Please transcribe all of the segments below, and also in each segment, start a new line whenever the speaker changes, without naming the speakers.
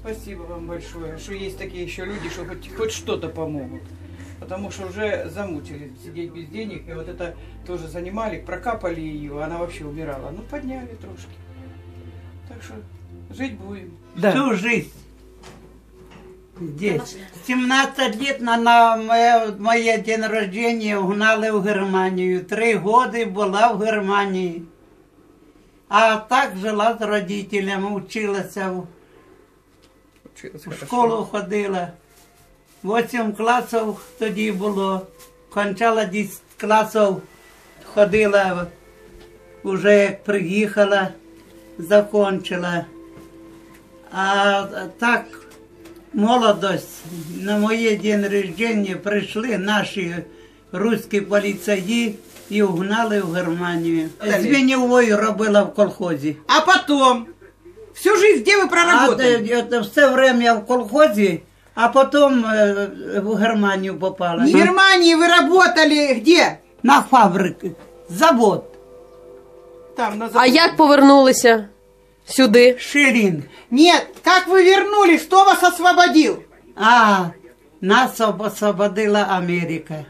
Спасибо вам большое, что есть такие еще люди, что хоть что-то помогут. Потому что уже замучились сидеть без денег. И вот это тоже занимали, прокапали ее, она вообще умирала. Ну, подняли трошки. Так что жить будем.
Всю жизнь здесь. 17 лет на моє день рождения угнали в Германию. 3 года была в Германии. А так жила з родителями, вчилася, в школу ходила. 8 класів тоді було. Кончала 10 класів, ходила, вже як приїхала, закончила. А так, молодость, на моє день рождения прийшли наші русські поліцаї і угнали в Германію. Звеньовою робила в колхозі.
А потом? Всю жизнь где вы проработали?
А все время в колхозі, а потім в Германію попала.
В Германии вы работали где?
На фабриці, завод.
Там, на
А
заводе.
як повернулися сюди?
Шилінг.
Нет, как вы вернулись? Кто вас освободил?
А нас освободила Америка.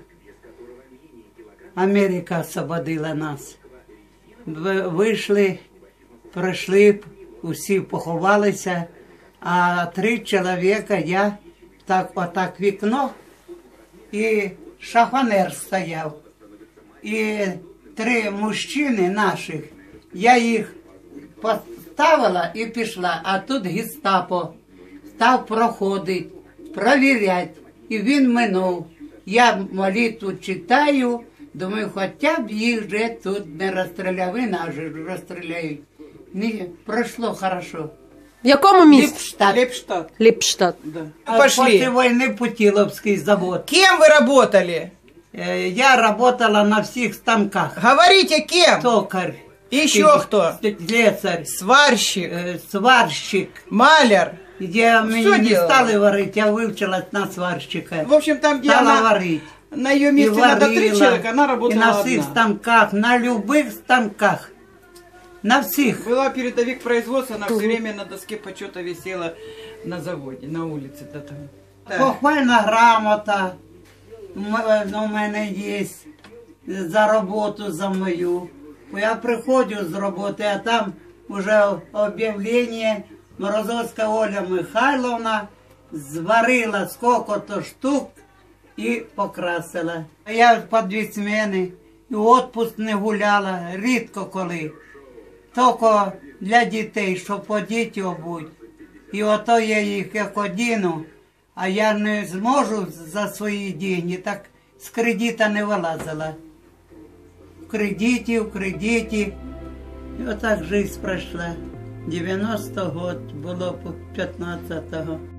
Америка освободила нас. Вийшли, прийшли, усі поховалися, а 3 чоловіка, я отак вікно, і шифонер стояв. І 3 мужчини наших, я їх поставила і пішла, а тут гестапо став проходити, провіряти, і він минув. Я молитву читаю, думаю, хоча б їх вже тут не розстріляли, нас же розстріляють. Ні, пройшло хорошо.
В якому місті?
Ліпштадт.
Лепштадт.
Ліпштадт.
Да.
А
Пошли.
Після війни Путиловський завод.
Кем вы работали?
Я работала на всіх станках.
Говорите, кем?
Токар.
Еще кто?
Слесарь.
Сварщик,
Сварщик.
маляр.
Я мені не
делала?
стали варити, я вивчилась на сварщика.
В общем, там, где
Стала
она,
варити.
на ее месте надо 3 человека, она
і
работала
на всіх
одна.
станках, на любих станках. На всіх.
Была передовик производства, она все время на доске почета висела на заводе, на улице. Да, там. Да.
Похвальна грамота у мене є за роботу за мою. Я приходжу з роботи, а там вже об'явлення, Морозовська Оля Михайловна зварила сколько-то штук і покрасила. Я по 2 зміни, і відпуск не гуляла, рідко коли. Тільки для дітей, щоб одіти обуть. І ото я їх як одіну, а я не зможу за свої гроші, так з кредита не вилазила. В кредиті. І отак життя пройшла. 90 год, було 15-го.